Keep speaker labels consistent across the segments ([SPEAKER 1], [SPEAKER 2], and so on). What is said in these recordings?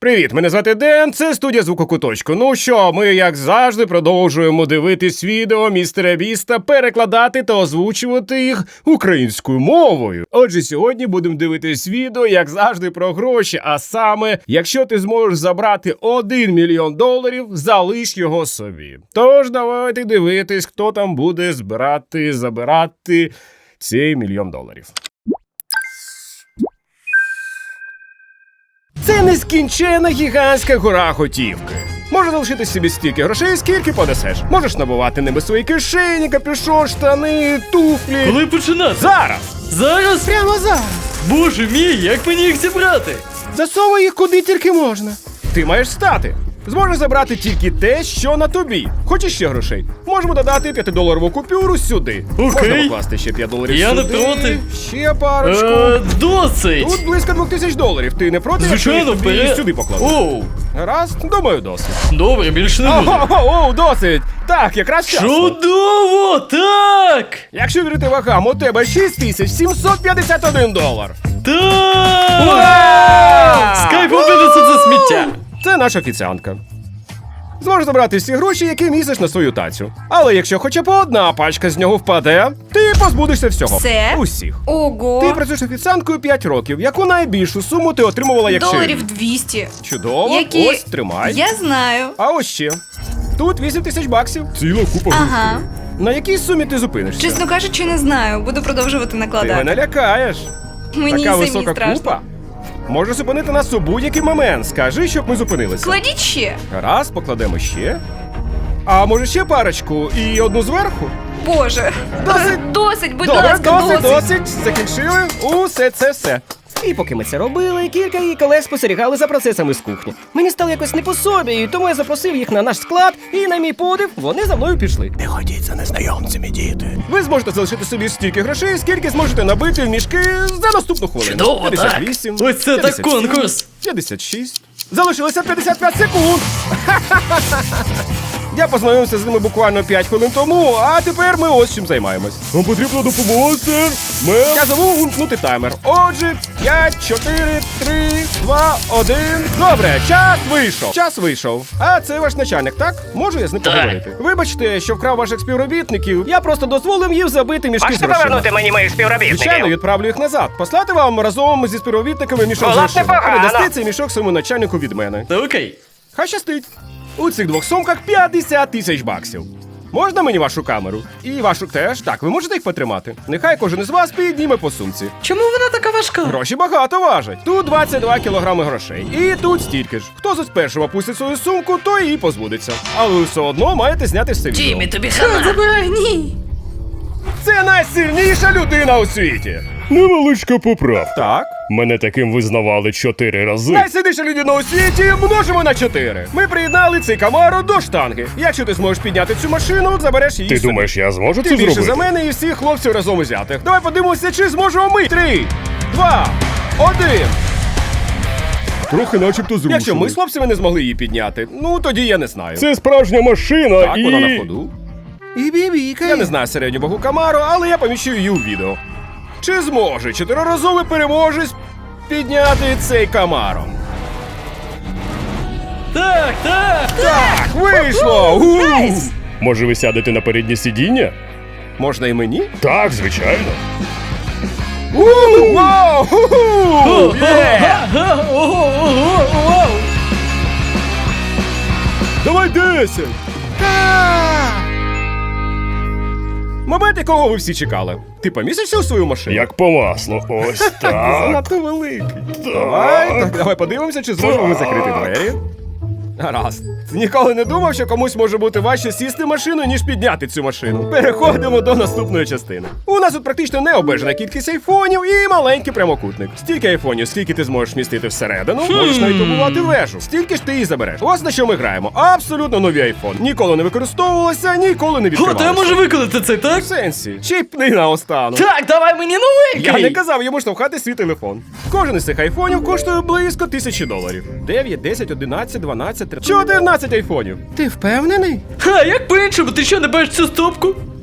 [SPEAKER 1] Привіт, мене звати Ден, це студія Звукокуточку. Ну що, ми, як завжди, продовжуємо дивитись відео містера Біста, перекладати та озвучувати їх українською мовою. Отже, сьогодні будемо дивитись відео, як завжди, про гроші, а саме, якщо ти зможеш забрати $1 мільйон, залиш його собі. Тож, давайте дивитись, хто там буде забирати цей $1 мільйон. Це нескінчена гігантська гора готівки. Може залишити собі стільки грошей, скільки понесеш. Можеш набувати ними свої кишені, капюшон, штани, туфлі.
[SPEAKER 2] Коли починати?
[SPEAKER 1] Зараз!
[SPEAKER 2] Зараз?
[SPEAKER 1] Прямо зараз!
[SPEAKER 2] Боже мій, як мені їх зібрати?
[SPEAKER 1] Засовуй їх куди тільки можна. Ти маєш стати. Зможеш забрати тільки те, що на тобі. Хочеш ще грошей? Можемо додати $5 купюру сюди.
[SPEAKER 2] Окей.
[SPEAKER 1] Можна покласти ще $5 сюди.
[SPEAKER 2] Я не проти.
[SPEAKER 1] Ще парочку.
[SPEAKER 2] Досить.
[SPEAKER 1] Тут близько $2000. Ти не проти,
[SPEAKER 2] Звичайно,
[SPEAKER 1] якщо їх тобі
[SPEAKER 2] вперед.
[SPEAKER 1] сюди покладу?
[SPEAKER 2] Оу.
[SPEAKER 1] Гаразд, думаю, досить.
[SPEAKER 2] Добре, більше не буде.
[SPEAKER 1] Оу, досить! Так, якраз вчасно.
[SPEAKER 2] Чудово, так!
[SPEAKER 1] Якщо вірити вагам, у тебе $6751.
[SPEAKER 2] Так!
[SPEAKER 1] Ура!
[SPEAKER 2] Скайп винесе це сміття.
[SPEAKER 1] Це наша офіціантка. Зможеш забрати всі гроші, які містиш на свою тацю. Але якщо хоча б одна пачка з нього впаде, ти позбудешся всього.
[SPEAKER 3] Все?
[SPEAKER 1] Усіх.
[SPEAKER 3] Ого!
[SPEAKER 1] Ти працюєш офіціанткою 5 років. Яку найбільшу суму ти отримувала, якщо...
[SPEAKER 3] $200.
[SPEAKER 1] Чудово,
[SPEAKER 3] Які...
[SPEAKER 1] ось, тримай.
[SPEAKER 3] Я знаю.
[SPEAKER 1] А ось ще. Тут $8000. Ціла купа
[SPEAKER 3] Ага.
[SPEAKER 1] На якій сумі ти зупинишся?
[SPEAKER 3] Чесно кажучи, не знаю. Буду продовжувати
[SPEAKER 1] Ти
[SPEAKER 3] накладати.
[SPEAKER 1] мене лякаєш.
[SPEAKER 3] Мені
[SPEAKER 1] Така
[SPEAKER 3] самі
[SPEAKER 1] висока
[SPEAKER 3] страшно.
[SPEAKER 1] купа. Може зупинити нас у будь-який момент. Скажи, щоб ми зупинилися.
[SPEAKER 3] Кладіть ще.
[SPEAKER 1] Раз, покладемо ще. А може ще парочку і одну зверху?
[SPEAKER 3] Боже.
[SPEAKER 1] Досить.
[SPEAKER 3] Досить, будь
[SPEAKER 1] Добре,
[SPEAKER 3] ласка,
[SPEAKER 1] досить. Закінчили. Усе це все.
[SPEAKER 4] І поки ми це робили, кілька її колег спостерігали за процесами з кухні. Мені стало якось не по собі, і тому я запросив їх на наш склад, і на мій подив вони за мною пішли.
[SPEAKER 1] Не ходіть за незнайомцями, діти. Ви зможете залишити собі стільки грошей, скільки зможете набити в мішки за наступну хвилину.
[SPEAKER 2] Чудово, так.
[SPEAKER 1] 58,
[SPEAKER 2] Ось це так
[SPEAKER 1] 57,
[SPEAKER 2] конкурс.
[SPEAKER 1] 56. Залишилося 55 секунд. Я познайомився з ними буквально 5 хвилин тому, а тепер ми ось чим займаємось. Вам потрібна допомога, сер. Я забув увімкнути таймер. Отже, 5, 4, 3, 2, 1. Добре, час вийшов. А це ваш начальник, так? Можу я з ним
[SPEAKER 2] Так.
[SPEAKER 1] поговорити? Вибачте, що вкрав ваших співробітників. Я просто дозволив їм забити мішки з
[SPEAKER 5] Можете
[SPEAKER 1] грошима.
[SPEAKER 5] повернути мені моїх співробітників?
[SPEAKER 1] Звичайно, відправлю їх назад. Послати вам разом зі співробітниками мішок з
[SPEAKER 5] Було б
[SPEAKER 1] грошима.
[SPEAKER 5] непогано.
[SPEAKER 1] Передасти цей мішок своєму начальнику від мене.
[SPEAKER 2] Та окей.
[SPEAKER 1] Хай щастить. У цих двох сумках $50 000. Можна мені вашу камеру? І вашу теж. Так, ви можете їх потримати? Нехай кожен із вас підніме по сумці.
[SPEAKER 2] Чому вона така важка?
[SPEAKER 1] Гроші багато важать. Тут 22 кілограми грошей. І тут стільки ж. Хто з першого опустить свою сумку, той її позбудеться. Але ви все одно маєте зняти все відео.
[SPEAKER 2] Тімі, тобі хана.
[SPEAKER 3] Забирай, ні.
[SPEAKER 1] Це найсильніша людина у світі.
[SPEAKER 6] Невеличка поправка.
[SPEAKER 1] Так.
[SPEAKER 6] Мене таким визнавали 4 рази.
[SPEAKER 1] Найсильніша людина у світі множимо на 4. Ми приєднали цей Камаро до штанги. Якщо ти зможеш підняти цю машину, забереш її
[SPEAKER 6] Ти
[SPEAKER 1] собі.
[SPEAKER 6] думаєш, я зможу
[SPEAKER 1] Ти
[SPEAKER 6] це
[SPEAKER 1] більше
[SPEAKER 6] зробити?
[SPEAKER 1] за мене і всіх хлопців разом узятих. Давай подивимося, чи зможемо ми. 3, 2, 1.
[SPEAKER 6] Трохи начебто зрушили.
[SPEAKER 1] Якщо ми з хлопцями не змогли її підняти, ну тоді я не знаю.
[SPEAKER 6] Це справжня машина
[SPEAKER 1] Так,
[SPEAKER 6] і...
[SPEAKER 1] вона на ходу. І бібікає. Я не знаю середню вагу Камаро, але я поміщу її у відео. Чи зможе 4-разовий переможець підняти цей Камаро?
[SPEAKER 2] Так.
[SPEAKER 1] Так, вийшло!
[SPEAKER 6] Може ви сядете на переднє сидіння?
[SPEAKER 1] Можна і мені?
[SPEAKER 6] Так, звичайно.
[SPEAKER 1] Вау! Є!
[SPEAKER 2] Ого.
[SPEAKER 1] Давай 10! Момент, якого ви всі чекали. Ти помістишся у свою машину?
[SPEAKER 6] Як по маслу. Ось
[SPEAKER 1] Ти
[SPEAKER 6] так.
[SPEAKER 1] занадто великий. Давай подивимося, чи зможемо ми закрити двері. Гаразд. Ніколи не думав, що комусь може бути важче сісти в машину, ніж підняти цю машину. Переходимо до наступної частини. У нас тут практично необмежена кількість айфонів і маленький прямокутник. Стільки айфонів, скільки ти зможеш вмістити всередину, можеш навіть побувати вежу. Стільки ж ти і забереш. Ось на що ми граємо. Абсолютно нові айфон. Ніколи не використовувалися, ніколи не
[SPEAKER 2] О, то я
[SPEAKER 1] відкривалися.
[SPEAKER 2] можу виконати це, так?
[SPEAKER 1] В сенсі, чіпни наостанок.
[SPEAKER 2] Так, давай мені новенький.
[SPEAKER 1] Я не казав йому штовхати свій телефон. Кожен із цих айфонів коштує близько $1000. 9, 10, 11, 12, 13, 14 айфонів. Ти впевнений?
[SPEAKER 2] Ха, як по-іншому, ти що, не бачиш цю стопку?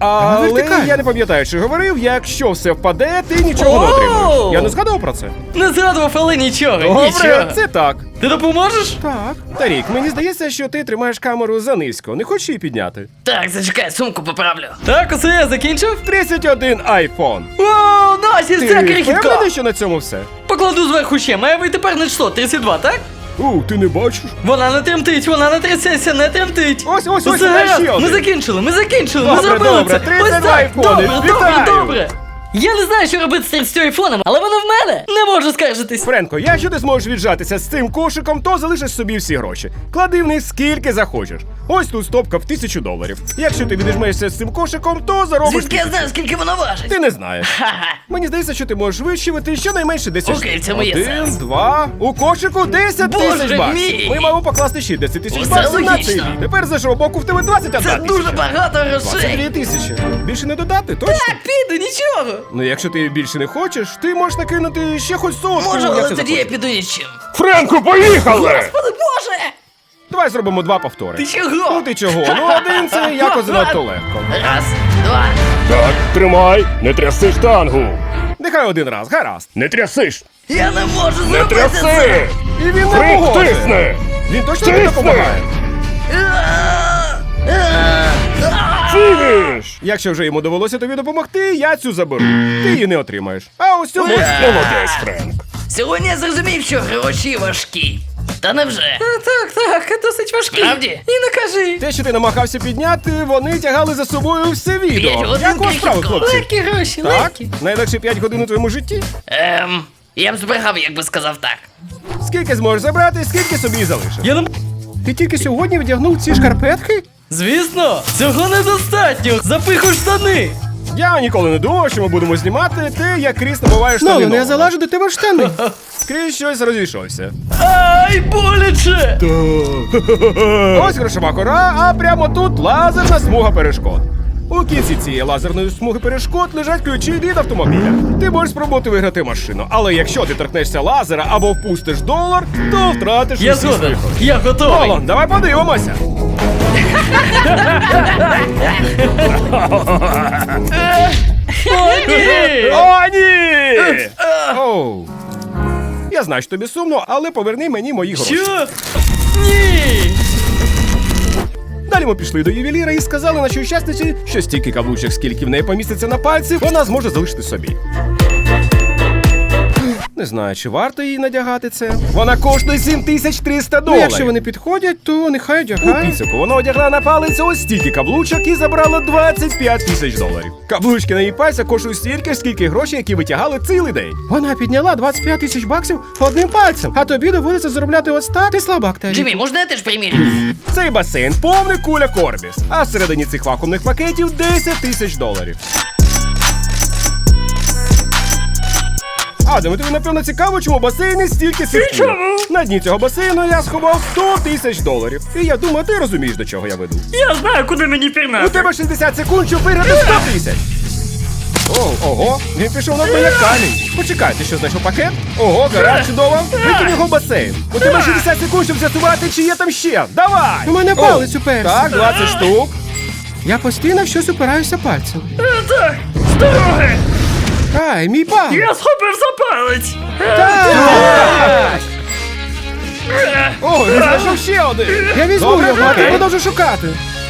[SPEAKER 1] Але
[SPEAKER 2] вертикально.
[SPEAKER 1] я не пам'ятаю, чи говорив, якщо все впаде, ти нічого не
[SPEAKER 2] Оу!
[SPEAKER 1] отримаєш. Я не згадав про це.
[SPEAKER 2] Не згадував, але нічого,
[SPEAKER 1] Добре,
[SPEAKER 2] нічого.
[SPEAKER 1] це так.
[SPEAKER 2] Ти допоможеш?
[SPEAKER 1] Так. Тарік, мені здається, що ти тримаєш камеру занизько. Не хочеш її підняти?
[SPEAKER 5] Так, зачекай, сумку поправлю.
[SPEAKER 2] Так, усе, я закінчив.
[SPEAKER 1] 31 айфон.
[SPEAKER 2] Вау, Насі,
[SPEAKER 1] Ти
[SPEAKER 2] це крихітко.
[SPEAKER 1] впевнений, що на цьому все?
[SPEAKER 2] Покладу зверху ще, має вийти перне число, 32, так?
[SPEAKER 1] Ти не бачиш?
[SPEAKER 2] Вона не тремтить, вона не трясеться, не тремтить.
[SPEAKER 1] Ось,
[SPEAKER 2] Усе
[SPEAKER 1] давай
[SPEAKER 2] гаразд,
[SPEAKER 1] ще один.
[SPEAKER 2] ми закінчили, ми
[SPEAKER 1] Добре,
[SPEAKER 2] зробили
[SPEAKER 1] добре,
[SPEAKER 2] це.
[SPEAKER 1] 32
[SPEAKER 2] Ось так,
[SPEAKER 1] айфони,
[SPEAKER 2] добре,
[SPEAKER 1] вітаю.
[SPEAKER 2] добре. Я не знаю, що робити з 30 айфоном, але воно в мене. Не можу скаржитись.
[SPEAKER 1] Френко, якщо ти зможеш віджатися з цим кошиком, то залишиш собі всі гроші. Клади в них скільки захочеш. Ось тут стопка в $1000. Якщо ти відіжмешся з цим кошиком, то заробиш.
[SPEAKER 5] Звідки я знаю, скільки воно важить?
[SPEAKER 1] Ти не знаєш.
[SPEAKER 5] Ха-ха.
[SPEAKER 1] Мені здається, що ти можеш вищувати щонайменше 10
[SPEAKER 5] Окей,
[SPEAKER 1] штук.
[SPEAKER 5] в цьому є
[SPEAKER 1] 1,
[SPEAKER 5] сенс.
[SPEAKER 1] 2, у кошику 10
[SPEAKER 5] Боже
[SPEAKER 1] тисяч баксів.
[SPEAKER 5] мій!
[SPEAKER 1] Ми маємо покласти ще 10 тисяч
[SPEAKER 5] Усе
[SPEAKER 1] баксів на цей
[SPEAKER 5] логічно.
[SPEAKER 1] бій. Тепер з іншого боку в тебе 21
[SPEAKER 5] Це
[SPEAKER 1] тисяча.
[SPEAKER 5] дуже багато
[SPEAKER 1] 22
[SPEAKER 5] грошей.
[SPEAKER 1] тисячі. Більше не додати, точно?
[SPEAKER 2] Піду, нічого.
[SPEAKER 1] Ну якщо ти більше не хочеш, ти можеш накинути ще хоч сотку.
[SPEAKER 5] Можу,
[SPEAKER 1] як
[SPEAKER 5] але
[SPEAKER 1] ти
[SPEAKER 5] тоді я
[SPEAKER 1] захочеш.
[SPEAKER 5] піду нічим.
[SPEAKER 6] Френку, поїхали!
[SPEAKER 5] Господи Боже!
[SPEAKER 1] Давай зробимо 2 повтори.
[SPEAKER 5] Ти чого?
[SPEAKER 1] Ну ти чого? Ну один це якось занадто легко.
[SPEAKER 5] Раз, два.
[SPEAKER 6] Так, тримай, не тряси штангу.
[SPEAKER 1] Нехай один раз, гаразд.
[SPEAKER 6] Не трясиш,
[SPEAKER 5] Я не можу
[SPEAKER 6] не
[SPEAKER 5] зробити
[SPEAKER 6] тряси!
[SPEAKER 5] це.
[SPEAKER 1] І він не
[SPEAKER 6] Френк,
[SPEAKER 1] погодить.
[SPEAKER 6] тисни!
[SPEAKER 1] Він точно не
[SPEAKER 6] Тисни!
[SPEAKER 1] допомагає.
[SPEAKER 6] Фініш!
[SPEAKER 1] Якщо вже йому довелося тобі допомогти, я цю заберу. Ти її не отримаєш. А ось цю можеш.
[SPEAKER 6] Молодець, Френк.
[SPEAKER 5] Сьогодні я зрозумів, що гроші важкі. Та невже?
[SPEAKER 2] Так, досить важкі.
[SPEAKER 5] Справді?
[SPEAKER 2] І не кажи.
[SPEAKER 1] Те, що ти намагався підняти, вони тягали за собою все відео.
[SPEAKER 5] 5 годин
[SPEAKER 1] Як у вас справи,
[SPEAKER 5] крихітко.
[SPEAKER 1] хлопці?
[SPEAKER 2] Легкі гроші,
[SPEAKER 1] Так?
[SPEAKER 2] легкі.
[SPEAKER 1] Найлегше 5 годин у твоєму житті?
[SPEAKER 5] Я б збрехав, якби сказав так.
[SPEAKER 1] Скільки зможеш забрати, скільки собі і залишиш?
[SPEAKER 2] Я не...
[SPEAKER 1] Ти тільки сьогодні вдягнув ці шкарпетки?
[SPEAKER 2] Звісно, цього недостатньо. Запихуй штани.
[SPEAKER 1] Я ніколи не думав, що ми будемо знімати те, як Кріс набуває штани.
[SPEAKER 4] Нолане,
[SPEAKER 1] нового.
[SPEAKER 4] я залажу до тебе в штани.
[SPEAKER 1] Кріс щось розійшовся.
[SPEAKER 2] Ай, боляче.
[SPEAKER 1] Ось грошова кора, а прямо тут лазерна смуга перешкод. У кінці цієї лазерної смуги перешкод лежать ключі від автомобіля. Ти можеш спробувати виграти машину, але якщо ти торкнешся лазера або впустиш $1, то втратиш
[SPEAKER 2] Я
[SPEAKER 1] усі
[SPEAKER 2] згоден.
[SPEAKER 1] свої гроші.
[SPEAKER 2] Я готовий.
[SPEAKER 1] Олон, давай подивимося.
[SPEAKER 2] О, ні.
[SPEAKER 1] О, ні! Оу. Я знаю, що тобі сумно, але поверни мені мої гроші.
[SPEAKER 2] Що? Ні.
[SPEAKER 1] Далі ми пішли до ювеліра і сказали нашій учасниці, що стільки каблучок, скільки в неї поміститься на пальці, вона зможе залишити собі. Не знаю, чи варто їй надягати це. Вона коштує $7300.
[SPEAKER 4] Ну, якщо вони підходять, то нехай
[SPEAKER 1] У
[SPEAKER 4] одягає.
[SPEAKER 1] підсумку вона одягла на палець ось стільки каблучок і забрала $25 000. Каблучки на її пальцях коштують стільки ж, скільки грошей, які витягали цілий день.
[SPEAKER 4] Вона підняла 25 тисяч баксів одним пальцем, а тобі доводиться заробляти ось так. Ти слабак, Террі.
[SPEAKER 5] Джиммі, можна я теж примірю?
[SPEAKER 1] Цей басейн повний куля Корбіс, а всередині цих вакуумних пакетів $10 000. Адаме, тобі напевно цікаво, чому в басейні стільки сирків. На дні цього басейну я сховав $100 000. І я думаю, ти розумієш, до чого я веду.
[SPEAKER 2] Я знаю, куди мені
[SPEAKER 1] У
[SPEAKER 2] пірнати.
[SPEAKER 1] тебе 60 секунд, щоб виграти 100 000. Ого, він пішов на дно як камінь. Почекай, ти що, знайшов пакет? Ого, гаразд, чудово. Викинь його в басейн. У тебе 60 секунд, щоб з'ясувати, чи є там ще. Давай!
[SPEAKER 4] У мене палець уперся.
[SPEAKER 1] Так, 20 штук.
[SPEAKER 4] Я постійно в щось упираюся пальцем.
[SPEAKER 2] Так, з дороги.
[SPEAKER 4] Ай, мій палець.
[SPEAKER 2] Я схопив за палець.
[SPEAKER 1] О, він знайшов ще один.
[SPEAKER 4] Я візьму
[SPEAKER 1] Добре,
[SPEAKER 4] його, а ти
[SPEAKER 1] окей.
[SPEAKER 4] продовжу шукати.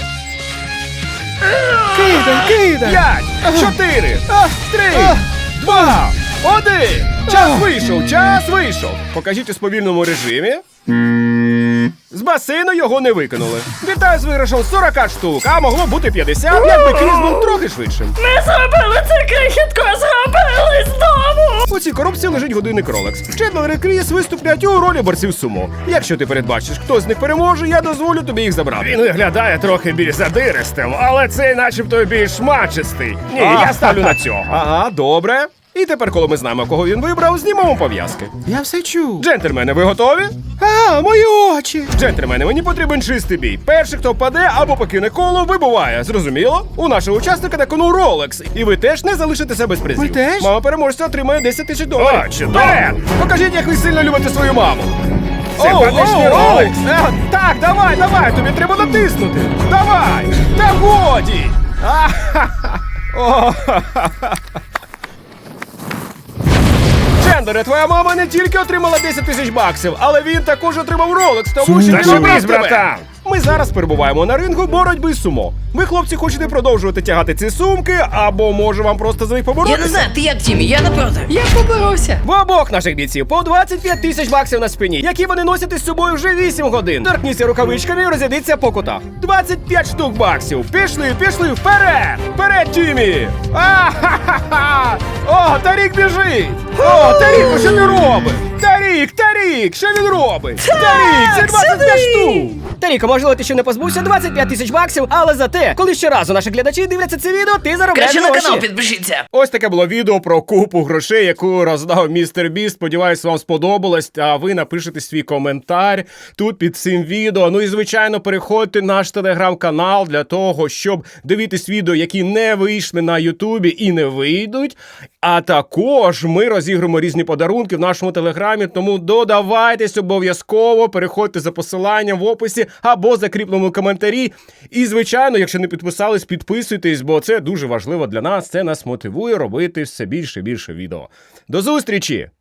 [SPEAKER 4] Кидай.
[SPEAKER 1] 5, 4, 3, 2, 1. Час вийшов. Покажіть у сповільному режимі. З басейну його не викинули. Вітаю з виграшем 40 штук, а могло бути 50, якби Кріс був трохи швидшим.
[SPEAKER 2] Ми зробили це, крихітко, зробили знову.
[SPEAKER 1] У цій коробці лежить годинник Rolex. Чендлер і Кріс виступлять у ролі борців сумо. Якщо ти передбачиш, хто з них переможе, я дозволю тобі їх забрати. Він виглядає трохи більш задиристим, але цей начебто більш мачистий. Ні, я ставлю на цього. Ага, добре. І тепер, коли ми знаємо, кого він вибрав, знімемо пов'язки.
[SPEAKER 4] Я все чув.
[SPEAKER 1] Джентльмени, ви готові?
[SPEAKER 4] А, мої очі.
[SPEAKER 1] Джентльмени, мені потрібен чистий бій. Перший, хто впаде або покине коло, вибуває. Зрозуміло? У нашого учасника на кону Rolex. І ви теж не залишитеся без призів.
[SPEAKER 4] Ми теж?
[SPEAKER 1] Мама переможця отримає $10 000.
[SPEAKER 6] А, чудово.
[SPEAKER 1] Вперед! Покажіть, як ви сильно любите свою маму.
[SPEAKER 6] Симпатичний Rolex.
[SPEAKER 1] Так, давай, тобі треба натиснути. Давай! Та годі! Чендере, твоя мама не тільки отримала 10 тисяч баксів, але він також отримав Ролекс, тому що
[SPEAKER 6] Зашибись,
[SPEAKER 1] любить тебе.
[SPEAKER 6] братан!
[SPEAKER 1] Ми зараз перебуваємо на рингу боротьби з сумо. Ви, хлопці, хочете продовжувати тягати ці сумки, або може вам просто за них
[SPEAKER 5] Я
[SPEAKER 1] поборотися?
[SPEAKER 5] не знаю, ти як, Тімі, я не проти.
[SPEAKER 2] Я поборовся.
[SPEAKER 4] В обох наших бійців по 25 тисяч баксів на спині, які вони носять із собою вже 8 годин. Торкніться рукавичками і розійдіться по кутах.
[SPEAKER 1] 25 штук баксів. Пішли, вперед! Вперед, Тімі! А-ха-ха-ха! О, Тарік біжить! О, Тарік, що він робить? Тарік, що він робить? Тарік, це 25 штук!
[SPEAKER 4] Таріко, можливо, ти ще не позбувся 25 тисяч баксів, але зате, коли щоразу наші глядачі дивляться це відео, ти заробляєш
[SPEAKER 5] Краще на
[SPEAKER 4] гроші.
[SPEAKER 5] канал підпишіться.
[SPEAKER 1] Ось таке було відео про купу грошей, яку роздав містер Біст. Сподіваюсь, вам сподобалось. А ви напишете свій коментар тут під цим відео. Ну і звичайно, переходьте в наш телеграм-канал для того, щоб дивитись відео, які не вийшли на Ютубі і не вийдуть. А також ми розіграємо різні подарунки в нашому телеграмі. Тому додавайтесь обов'язково, переходьте за посиланням в описі або закріпленому коментарі. І звичайно, якщо не підписались, підписуйтесь, бо це дуже важливо для нас. Це нас мотивує робити все більше і більше відео. До зустрічі!